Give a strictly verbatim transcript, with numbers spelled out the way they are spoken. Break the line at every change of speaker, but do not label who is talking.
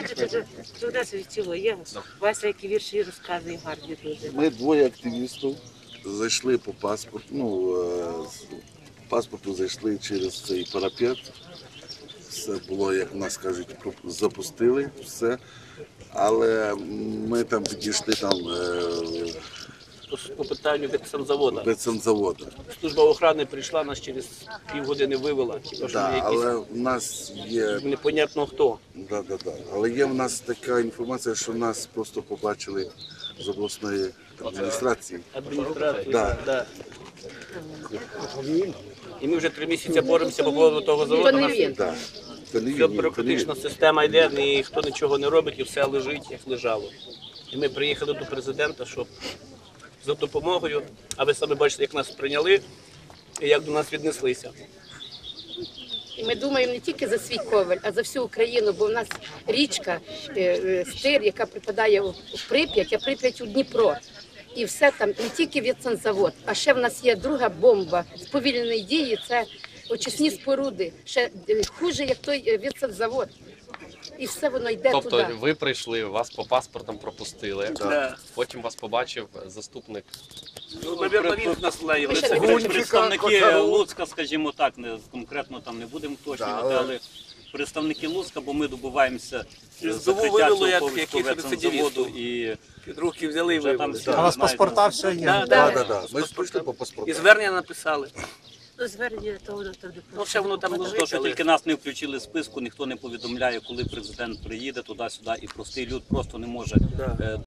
Туди світило, є. Вася, які вірші розказує, гарні дуже.
Ми двоє активістів зайшли по паспорту, ну, з паспорту зайшли через цей парапет. Все було, як нас кажуть, запустили все. Але ми там підійшли там
по питанню ветсанзаводу.
ветсанзаводу.
Служба охорони прийшла, нас через півгодини вивела. Хіба що
Да,
якісь
але в нас є,
непонятно хто.
да, да, да. Але є в нас така інформація, що нас просто побачили з обласної адміністрації.
Адміністрація.
Да.
Да. І ми вже три місяці боремося по поводу того заводу. Нас
Да. Це не
Вся
він, це не
бюрократична
він.
система йде, ніхто нічого не робить і все лежить, як лежало. І ми приїхали до президента, щоб за допомогою, а ви самі бачите, як нас прийняли і як до нас віднеслися.
І ми думаємо не тільки за свій Ковель, а за всю Україну, бо в нас річка е, е, Стир, яка припадає у в Прип'ять, а Прип'ять у Дніпро. І все там, не тільки ветсанзавод, а ще в нас є друга бомба сповільненої дії, це очисні споруди, ще е, хуже, як той е, ветсанзавод. І все воно йде
Тобто
туди.
ви прийшли, вас по паспортам пропустили,
Да.
потім вас побачив заступник.
Ну, навірно, він нас лає в
Ми ще
лице.
не
Були представники Луцька, скажімо так, не конкретно там не будемо уточнювати, але представники Луцька, бо ми добуваємося
З
закриття
вивели,
цього
як
Ковельського
яких
ветсанзаводу
рецидивістів.
і
Під руки взяли і
вже там
вивели.
всі
А у вас
знають,
паспорта все є?
Да,
Да,
да.
да, да. Ми прийшли по
І
паспорту.
звернення написали.
Ну, звернення, то воно там не
Ну, ще воно там
То,
лежить,
що
але...
тільки нас не включили в списку, ніхто не повідомляє, коли президент приїде туди-сюди, і простий люд просто не може
Да.
е,